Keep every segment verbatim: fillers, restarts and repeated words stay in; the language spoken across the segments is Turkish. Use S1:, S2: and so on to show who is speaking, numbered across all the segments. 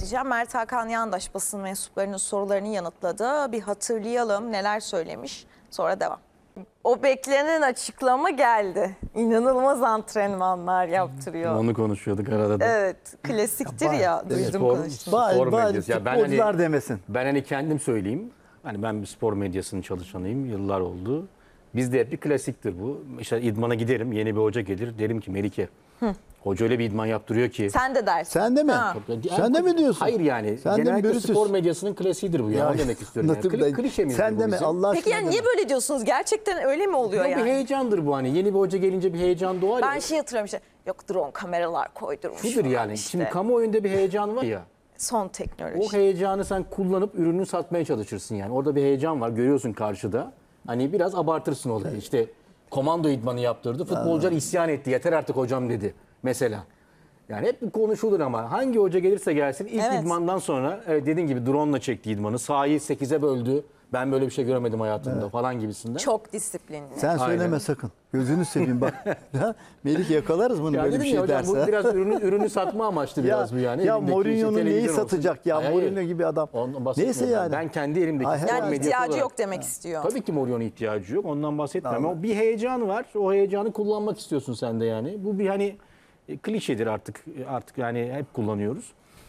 S1: edeceğim. Mert Hakan Yandaş basın mensuplarının sorularını yanıtladı. Bir hatırlayalım neler söylemiş, sonra devam. O beklenen açıklama geldi. İnanılmaz antrenmanlar yaptırıyor.
S2: Onu konuşuyorduk arada da.
S1: Evet, klasiktir ya, ya duydum
S2: spor,
S1: konuştum.
S2: spor
S3: Bari,
S2: medyası. Ya ben
S3: futbolcular
S2: hani,
S3: demesin.
S2: Ben hani kendim söyleyeyim. Hani ben bir spor medyasının çalışanıyım. Yıllar oldu. Bizde hep bir klasiktir bu. İşte idmana giderim. Yeni bir hoca gelir. Derim ki Melike. Hı. Hoca öyle bir idman yaptırıyor ki.
S1: Sen de dersin.
S3: Sen de mi?
S1: Ha.
S3: Sen de mi diyorsun?
S2: Hayır yani.
S3: Sen
S2: genellikle
S3: de
S2: spor medyasının klasiğidir bu. Ya.
S3: Ya,
S2: Onu demek istiyorum. Yani. Kli, klişe mi?
S3: Sen de mi? Allah aşkına.
S1: Peki yani niye böyle diyorsunuz? Gerçekten öyle mi oluyor
S2: yani?
S1: yani?
S2: Bir heyecandır bu hani. Yeni bir hoca gelince bir heyecan doğar
S1: Ben
S2: ya.
S1: şey hatırlıyorum işte. Yok drone kameralar koydurmuş.
S2: Şudur yani.
S1: Işte.
S2: Şimdi kamuoyunda bir heyecan var ya.
S1: Son teknoloji.
S2: O heyecanı sen kullanıp ürünü satmaya çalışırsın yani. Orada bir heyecan var. Görüyorsun karşıda. Hani biraz abartırsın olayı. İşte komando idmanı yaptırdı. Futbolcular isyan etti. Yeter artık hocam dedi. Mesela. Yani hep bu konuşulur ama hangi hoca gelirse gelsin ilk
S1: Evet.
S2: idmandan sonra evet dediğin gibi drone'la çekti idmanı. Sahayı sekize böldü. Ben böyle bir şey göremedim hayatımda evet. falan gibisinden.
S1: Çok disiplinli.
S3: Sen söyleme
S2: Aynen.
S3: sakın. Gözünü seveyim bak. Melih yakalarız bunu
S2: Ya
S3: böyle bir
S2: dedim
S3: şey
S2: ya hocam,
S3: derse.
S2: bu biraz ürünü, ürünü satma amaçlı biraz bu yani.
S3: Ya
S2: Elimdeki
S3: Mourinho'nun
S2: işte
S3: neyi
S2: televizyon
S3: satacak
S2: olsun.
S3: ya?
S2: Hayır,
S3: Mourinho
S2: hayır.
S3: gibi adam.
S2: Ondan bahsetmiyorum
S3: Neyse yani.
S2: Ben kendi elimdeki
S3: Ay,
S2: spor
S1: Yani
S2: medyası
S1: ihtiyacı
S2: olarak-
S1: yok demek istiyor.
S2: Tabii ki Mourinho'nun ihtiyacı yok. Ondan bahsetmiyorum.
S3: Tamam.
S2: Ama bir heyecan var. O heyecanı kullanmak istiyorsun sen de yani. Bu bir hani e, klişedir artık. Artık yani hep kullanıyoruz.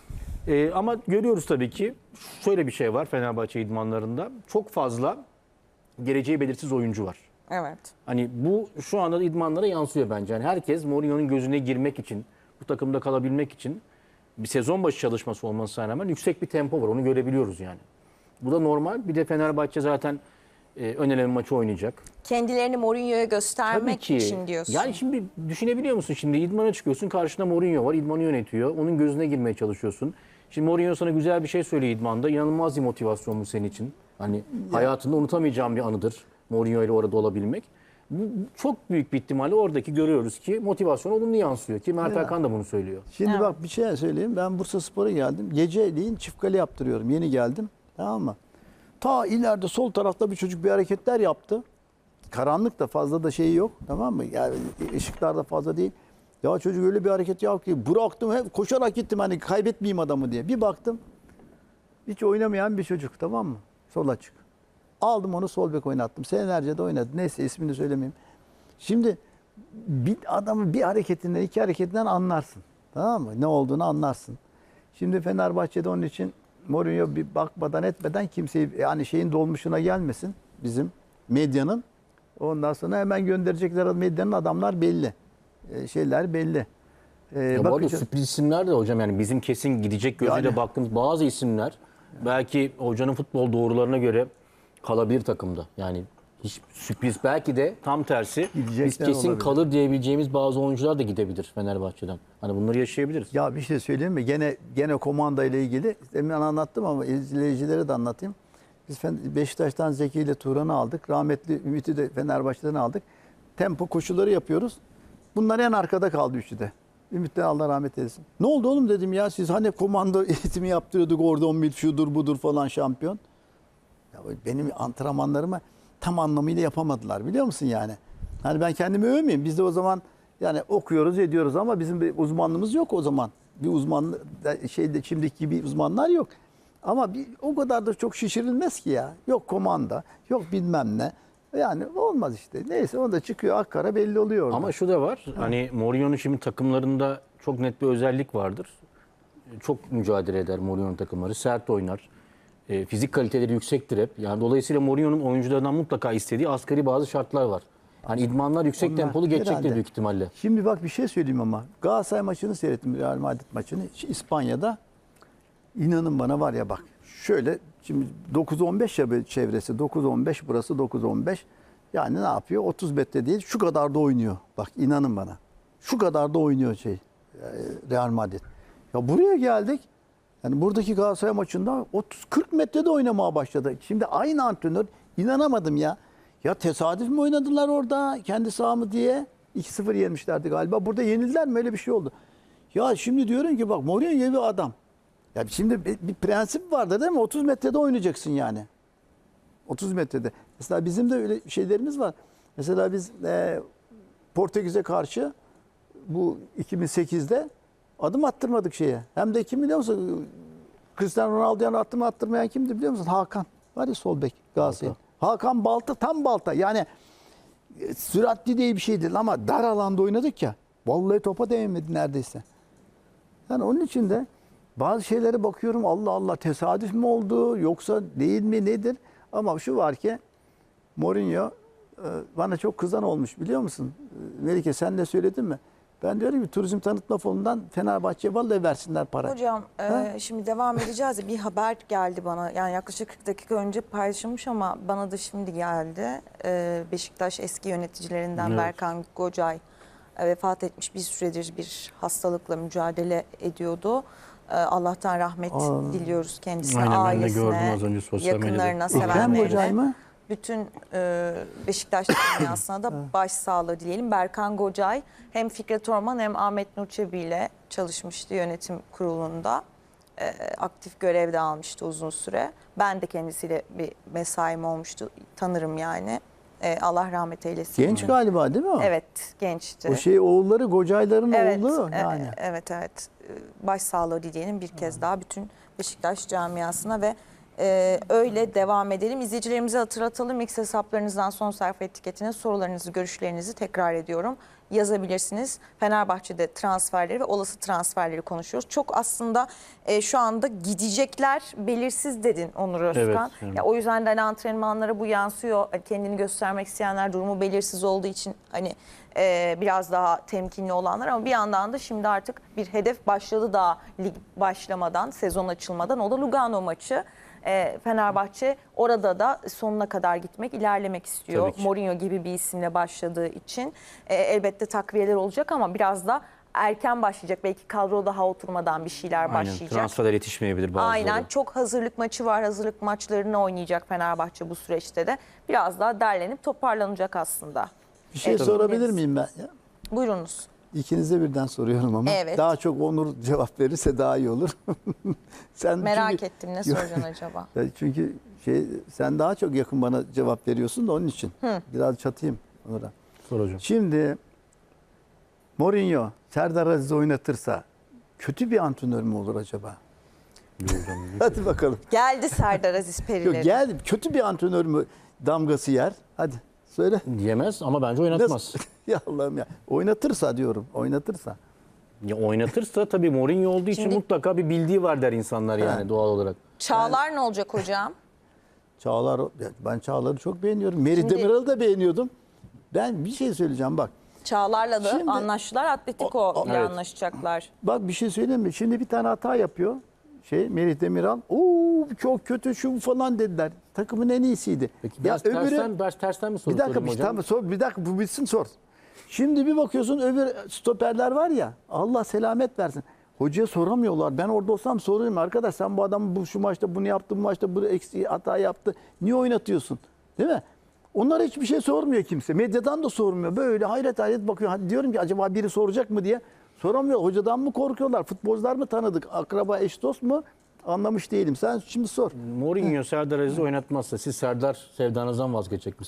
S2: Ee, ama görüyoruz tabii ki şöyle bir şey var Fenerbahçe idmanlarında. Çok fazla geleceği belirsiz oyuncu var.
S1: Evet.
S2: Hani bu şu anda idmanlara yansıyor bence. Yani herkes Mourinho'nun gözüne girmek için, bu takımda kalabilmek için bir sezon başı çalışması olmasına rağmen yüksek bir tempo var. Onu görebiliyoruz yani. Bu da normal. Bir de Fenerbahçe zaten e, ön eleme maçı oynayacak.
S1: Kendilerini Mourinho'ya göstermek
S2: Tabii ki.
S1: için diyorsun.
S2: Yani şimdi düşünebiliyor musun? Şimdi idmana çıkıyorsun. Karşında Mourinho var. İdmanı yönetiyor. Onun gözüne girmeye çalışıyorsun. Şimdi Mourinho sana güzel bir şey söylüyor idmanda. İnanılmaz bir motivasyon bu senin için. Hani hayatında unutamayacağım bir anıdır. Mourinho ile orada olabilmek. Bu çok büyük bir ihtimalle oradaki görüyoruz ki motivasyon olumlu yansıyor. Ki Mert
S3: Ya.
S2: Hakan da bunu söylüyor.
S3: Şimdi
S1: Evet.
S3: bak bir şey söyleyeyim. Ben Bursaspor'a geldim. Geceliğin çift kale yaptırıyorum. Yeni geldim. Tamam mı? Ta ileride sol tarafta bir çocuk bir hareketler yaptı. Karanlık da fazla da şeyi yok. Tamam mı? Yani ışıklar da fazla değil. Ya çocuk öyle bir hareket yaptı ki bıraktım hep koşarak gittim hani kaybetmeyeyim adamı diye. Bir baktım hiç oynamayan bir çocuk, tamam mı? Sol açık. Aldım onu sol bek oynattım. Senelerce de oynadı. Neyse ismini söylemeyeyim. Şimdi bir adamı bir hareketinden iki hareketinden anlarsın. Tamam mı? Ne olduğunu anlarsın. Şimdi Fenerbahçe'de onun için Mourinho bir bakmadan etmeden kimseyi yani şeyin dolmuşuna gelmesin bizim medyanın. Ondan sonra hemen gönderecekler medyanın adamlar belli. Ee, şeyler belli. Ee,
S2: Ya bu arada
S3: bakacağız.
S2: sürpriz isimler de hocam yani bizim kesin gidecek gözüyle
S3: Yani.
S2: baktığımız bazı isimler belki hocanın futbol doğrularına göre kalabilir takımda. Yani hiç sürpriz belki de tam tersi
S3: Gidecekler
S2: biz kesin
S3: olabilir.
S2: kalır diyebileceğimiz bazı oyuncular da gidebilir Fenerbahçe'den. Hani bunları yaşayabiliriz.
S3: Ya bir şey söyleyeyim mi? Gene gene komanda ile ilgili demin anlattım ama izleyicilere de anlatayım. Biz Beşiktaş'tan Zeki ile Turan'ı aldık. Rahmetli Ümit'i de Fenerbahçe'den aldık. Tempo koşuları yapıyoruz. Bunlar en arkada kaldı üçü de. Ümit de Allah rahmet eylesin. Ne oldu oğlum dedim ya, siz hani komando eğitimi yaptırıyorduk orada on mil şudur budur falan şampiyon. Ya benim antrenmanlarımı tam anlamıyla yapamadılar biliyor musun yani. Hani ben kendimi övmeyeyim. Biz de o zaman yani okuyoruz ediyoruz ama bizim bir uzmanlığımız yok o zaman. Bir uzman şeyde şimdiki gibi uzmanlar yok. Ama bir, o kadar da çok şişirilmez ki ya. Yok komanda, yok bilmem ne. Yani olmaz işte. Neyse o da çıkıyor akkara belli oluyor orada.
S2: Ama şu da var. Hani Mourinho'nun şimdi takımlarında çok net bir özellik vardır. Çok mücadele eder Mourinho'nun takımları. Sert oynar. E, fizik kaliteleri yüksektir hep. Yani dolayısıyla Mourinho'nun oyunculardan mutlaka istediği asgari bazı şartlar var. Hani idmanlar yüksek
S3: Onlar
S2: tempolu geçecektir
S3: herhalde.
S2: büyük ihtimalle.
S3: Şimdi bak bir şey söyleyeyim ama. Galatasaray maçını seyrettim. Real Madrid maçını. İspanya'da. İnanın bana var ya bak. Şöyle şimdi dokuz on beş ya çevresi. dokuz on beş burası dokuz on beş. Yani ne yapıyor? otuz metre değil. Şu kadar da oynuyor. Bak inanın bana. Şu kadar da oynuyor şey. Real Madrid. Ya buraya geldik. Yani buradaki Galatasaray maçında otuz kırk metrede oynamaya başladı. Şimdi aynı antrenör, inanamadım ya. Ya tesadüf mü oynadılar orada kendi saha mı diye? iki sıfır yenmişlerdi galiba. Burada yenildiler mi? Öyle bir şey oldu. Ya şimdi diyorum ki bak Mourinho gibi bir adam. Ya şimdi bir, bir prensip vardı değil mi? otuz metrede oynayacaksın yani. otuz metrede. Mesela bizim de öyle şeylerimiz var. Mesela biz e, Portekiz'e karşı bu iki bin sekizde adım attırmadık şeye. Hem de kim biliyor musun? Cristiano Ronaldo'ya attırma attırmayan kimdi biliyor musun? Hakan. Var ya sol bek Galatasaray. Hakan Balta tam Balta. Yani e, süratli değil bir şey değil ama dar alanda oynadık ya. Vallahi topa değmedi neredeyse. Yani onun için de bazı şeylere bakıyorum Allah Allah tesadüf mü oldu yoksa değil mi nedir? Ama şu var ki Mourinho e, bana çok kızan olmuş biliyor musun? E, Melike sen de söyledin mi? Ben diyorum ki turizm tanıtma fonundan Fenerbahçe'ye vallahi versinler para.
S1: Hocam e, şimdi devam edeceğiz ya bir haber geldi bana yani yaklaşık kırk dakika önce paylaşılmış ama bana da şimdi geldi. E, Beşiktaş eski yöneticilerinden
S2: Evet.
S1: Berkan Gocay e, vefat etmiş bir süredir bir hastalıkla mücadele ediyordu. E, Allah'tan rahmet
S3: Aa.
S1: diliyoruz kendisine,
S2: Aynen, ben de
S1: ailesine,
S2: gördüm az önce sosyal medyada.
S1: yakınlarına,
S3: Ekrem Gocay
S1: sevenlerine.
S3: mı?
S1: Bütün e, Beşiktaş dünyasına da başsağlığı dileyelim. Berkan Gocay hem Fikret Orman hem Ahmet Nur Çebi ile çalışmıştı yönetim kurulunda. E, aktif görevde almıştı uzun süre. Ben de kendisiyle bir mesaim olmuştu. Tanırım yani. E, Allah rahmet eylesin.
S3: Genç galiba değil mi o?
S1: Evet, gençti.
S3: O şey oğulları Gocayların
S1: Evet,
S3: oğlu
S1: e-
S3: yani.
S1: evet, evet. E, Başsağlığı dileyelim bir kez daha bütün Beşiktaş camiasına ve e, öyle devam edelim. İzleyicilerimize hatırlatalım. X hesaplarınızdan son sayfa etiketine sorularınızı, görüşlerinizi tekrar ediyorum. Yazabilirsiniz. Fenerbahçe'de transferleri ve olası transferleri konuşuyoruz. Çok aslında e, şu anda gidecekler belirsiz dedin Onur Özkan.
S2: Evet, evet.
S1: Ya, o yüzden de hani antrenmanlara bu yansıyor. Hani kendini göstermek isteyenler durumu belirsiz olduğu için hani e, biraz daha temkinli olanlar ama bir yandan da şimdi artık bir hedef başladı daha lig başlamadan, sezon açılmadan. O da Lugano maçı. E, Fenerbahçe orada da sonuna kadar gitmek, ilerlemek istiyor.
S2: Tabii ki.
S1: Mourinho gibi bir isimle başladığı için e, elbette takviyeler olacak ama biraz da erken başlayacak. Belki kadro daha oturmadan bir şeyler
S2: Aynen,
S1: başlayacak.
S2: transferler yetişmeyebilir bazıları.
S1: Aynen, çok hazırlık maçı var. Hazırlık maçlarını oynayacak Fenerbahçe bu süreçte de. Biraz daha derlenip toparlanacak aslında.
S3: Bir şey
S1: Evet,
S3: sorabilir
S1: biliriz.
S3: miyim ben? Ya?
S1: Buyurunuz.
S3: İkinize birden soruyorum ama
S1: Evet.
S3: daha çok Onur cevap verirse daha iyi olur. Sen
S1: Merak
S3: çünkü,
S1: ettim ne soracaksın acaba?
S3: Ya çünkü şey sen daha çok yakın bana cevap veriyorsun da onun için. Biraz çatayım Onur'a.
S2: Sor hocam.
S3: Şimdi Mourinho Serdar Aziz oynatırsa kötü bir antrenör mü olur acaba?
S2: Yok hocam, yok.
S3: Hadi bakalım.
S1: Geldi Serdar Aziz
S3: Yok
S1: Perileri.
S3: gel kötü bir antrenör mü damgası yer? Hadi söyle.
S2: Yemez ama bence oynatmaz.
S3: Nasıl? Ya Allah'ım ya. Oynatırsa diyorum. Oynatırsa.
S2: Ya oynatırsa tabii Mourinho olduğu için
S1: Şimdi-
S2: mutlaka bir bildiği var der insanlar yani
S3: Ha.
S2: doğal olarak.
S1: Çağlar ne olacak hocam?
S3: Çağlar, ya ben Çağlar'ı çok beğeniyorum. Meri
S1: Şimdi-
S3: Demiral'ı da beğeniyordum. Ben bir şey söyleyeceğim bak.
S1: Çağlar'la da
S3: Şimdi-
S1: anlaştılar. Atletico
S3: O- o-
S1: ile
S2: Evet.
S1: anlaşacaklar.
S3: Bak bir şey söyleyeyim mi? Şimdi bir tane hata yapıyor. Şey Merih Demiral. Oo çok kötü şu falan dediler. Takımın en iyisiydi.
S2: Peki
S3: Ya
S2: biraz tersten, biraz tersten mi soru
S3: bir dakika
S2: sorayım
S3: bir,
S2: hocam?
S3: tamam, sor, bir dakika bu bitsin sor. Şimdi bir bakıyorsun öbür stoperler var ya Allah selamet versin. Hocaya soramıyorlar. Ben orada olsam sorayım arkadaş sen bu adamı bu şu maçta bunu yaptı bu maçta bu eksiği hata yaptı. Niye oynatıyorsun? Değil mi? Onlara hiçbir şey sormuyor kimse. Medyadan da sormuyor. Böyle hayret hayret bakıyor. Hadi diyorum ki acaba biri soracak mı diye. Soramıyor. Hocadan mı korkuyorlar? Futbolcular mı tanıdık? Akraba eş dost mu? Anlamış değilim. Sen şimdi sor.
S2: Mourinho Serdar Aziz'i oynatmazsa siz Serdar sevdanızdan vazgeçecek misiniz?